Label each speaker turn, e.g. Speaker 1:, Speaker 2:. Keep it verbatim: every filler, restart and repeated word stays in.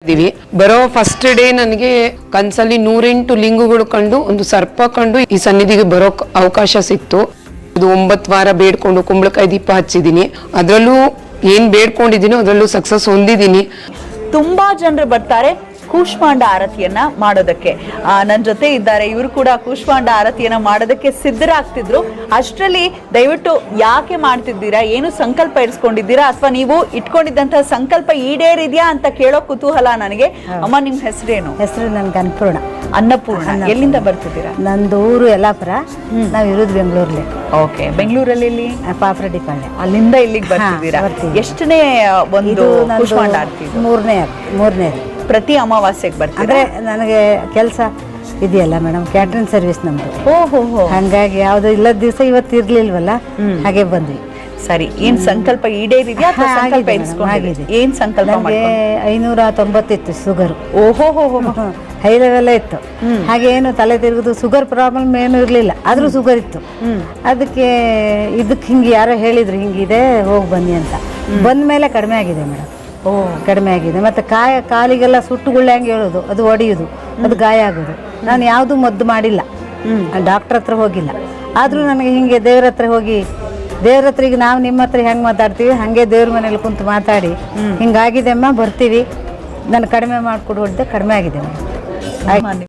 Speaker 1: ಇದೀವಿ. ಬರೋ first day ನನಗೆ ಕನ್ಸಲ್ಲಿ ನೂರೆಂಟು ಲಿಂಗುಗಳು ಕಂಡು ಒಂದು ಸರ್ಪ ಕಂಡು ಈ ಸನ್ನಿಧಿಗೆ ಬರೋ ಅವಕಾಶ ಸಿಕ್ತು. ಇದು ಒಂಬತ್ತು ವಾರ ಬೇಡ್ಕೊಂಡು ಕುಂಬಳಕಾಯಿ ದೀಪ ಹಚ್ಚಿದೀನಿ. ಅದರಲ್ಲೂ ಏನ್ ಬೇಡ್ಕೊಂಡಿದೀನೋ ಅದರಲ್ಲೂ ಸಕ್ಸಸ್ ಹೊಂದಿದೀನಿ.
Speaker 2: ತುಂಬಾ ಜನರು ಬರ್ತಾರೆ ಕೂಷ್ಮಾಂಡ ಆರತಿಯನ್ನ ಮಾಡೋದಕ್ಕೆ. ನನ್ನ ಜೊತೆ ಇದ್ದಾರೆ, ಇವರು ಕೂಡ ಕೂಷ್ಮಾಂಡ ಆರತಿಯನ್ನ ಮಾಡೋದಕ್ಕೆ ಸಿದ್ಧರಾಗ್ತಿದ್ರು. ಅಷ್ಟರಲ್ಲಿ ದಯವಿಟ್ಟು ಯಾಕೆ ಮಾಡ್ತಿದ್ದೀರಾ, ಏನು ಸಂಕಲ್ಪ ಇರಿಸ್ಕೊಂಡಿದ್ದೀರಾ, ಅಥವಾ ನೀವು ಇಟ್ಕೊಂಡಿದ್ದಂತಹ ಸಂಕಲ್ಪ ಈಡೇರಿದ್ಯಾ ಅಂತ ಕೇಳೋ ಕುತೂಹಲ ನನಗೆ. ಅಮ್ಮ, ನಿಮ್ ಹೆಸರೇನು?
Speaker 3: ಹೆಸರು ನನ್ಗೆ ಅನ್ನಪೂರ್ಣ.
Speaker 2: ಅನ್ನಪೂರ್ಣ. ಎಲ್ಲಿಂದ ಬರ್ತಿದ್ದೀರಾ?
Speaker 3: ನಂದು ಊರು ಯಲ್ಲಾಪುರ, ನಾವು ಇರೋದು ಬೆಂಗಳೂರಲ್ಲಿ.
Speaker 2: ಓಕೆ, ಬೆಂಗಳೂರಲ್ಲಿ
Speaker 3: ಪಾಪರೆಡ್ಡಿ ಪಾಳ್ಯ.
Speaker 2: ಅಲ್ಲಿಂದ ಇಲ್ಲಿಗೆ ಬರ್ತಿದ್ದೀರಾ? ಎಷ್ಟನೇ ಒಂದು ಕೂಷ್ಮಾಂಡ ಆರತಿ?
Speaker 3: ಮೂರನೇ ಮೂರನೇ
Speaker 2: ಪ್ರತಿ ಅಮಾವಾಸ್ಯೆಗೆ ಬರ್ತೀರಾ?
Speaker 3: ಅಂದ್ರೆ ನನಗೆ ಕೆಲಸ ಇದೆಯಲ್ಲ ಮೇಡಮ್, ಕ್ಯಾಟ್ರಿಂಗ್ ಸರ್ವಿಸ್ ನಮ್ದು.
Speaker 2: ಓಹೋ,
Speaker 3: ಹಂಗಾಗಿ ಯಾವ್ದು ಇಲ್ಲದ ದಿವಸ ಇವತ್ತು ಇರ್ಲಿಲ್ವಲ್ಲ, ಹಾಗೆ ಬಂದ್ವಿ.
Speaker 2: ಸರಿ, ಏನ್ ಸಂಕಲ್ಪ ಈಡೇರಿದ್ಯಾ? ಸಂಕಲ್ಪ ಇರಿಸ್ಕೊಂಡಿದ್ದೀರಿ? ಏನ್ ಸಂಕಲ್ಪ?
Speaker 3: ನಮಗೆ ಐನೂರ ತೊಂಬತ್ತಿತ್ತು ಶುಗರ್.
Speaker 2: ಓಹೋ,
Speaker 3: ಹೈ ಲೆವೆಲ್ ಇತ್ತು. ಹಾಗೆ ಏನು ತಲೆ ತಿರುಗುದು, ಶುಗರ್ ಪ್ರಾಬ್ಲಮ್ ಏನು ಇರ್ಲಿಲ್ಲ, ಆದ್ರೂ ಶುಗರ್ ಇತ್ತು. ಅದಕ್ಕೆ ಇದಕ್ಕೆ ಹಿಂಗೆ ಯಾರೋ ಹೇಳಿದ್ರು ಹಿಂಗಿದೆ, ಹೋಗಿ ಬನ್ನಿ ಅಂತ. ಬಂದ ಮೇಲೆ ಕಡಿಮೆ ಆಗಿದೆ ಮೇಡಮ್. ಓ, ಕಡಿಮೆ ಆಗಿದೆ. ಮತ್ತೆ ಕಾಯ ಕಾಲಿಗೆಲ್ಲ ಸುಟ್ಟು ಗುಳ್ಳೆ ಹಂಗೆ ಹೇಳೋದು, ಅದು ಒಡೆಯುದು, ಅದು ಗಾಯ ಆಗೋದು. ನಾನು ಯಾವುದು ಮದ್ದು ಮಾಡಿಲ್ಲ, ಡಾಕ್ಟರ್ ಹತ್ರ ಹೋಗಿಲ್ಲ. ಆದ್ರೂ ನನಗೆ ಹಿಂಗೆ ದೇವ್ರ ಹತ್ರ ಹೋಗಿ, ದೇವ್ರ ಹತ್ರ ಈಗ ನಾವು ನಿಮ್ಮ ಹತ್ರ ಹೆಂಗೆ ಮಾತಾಡ್ತೀವಿ ಹಂಗೆ ದೇವ್ರ ಮನೇಲಿ ಕುಂತು ಮಾತಾಡಿ, ಹಿಂಗಾಗಿದೆ ಅಮ್ಮ ಬರ್ತೀವಿ, ನಾನು ಕಡಿಮೆ ಮಾಡಿಕೊಡು ಹೊಡೆದೆ, ಕಡಿಮೆ ಆಗಿದೆ ಮೇಡಮ್.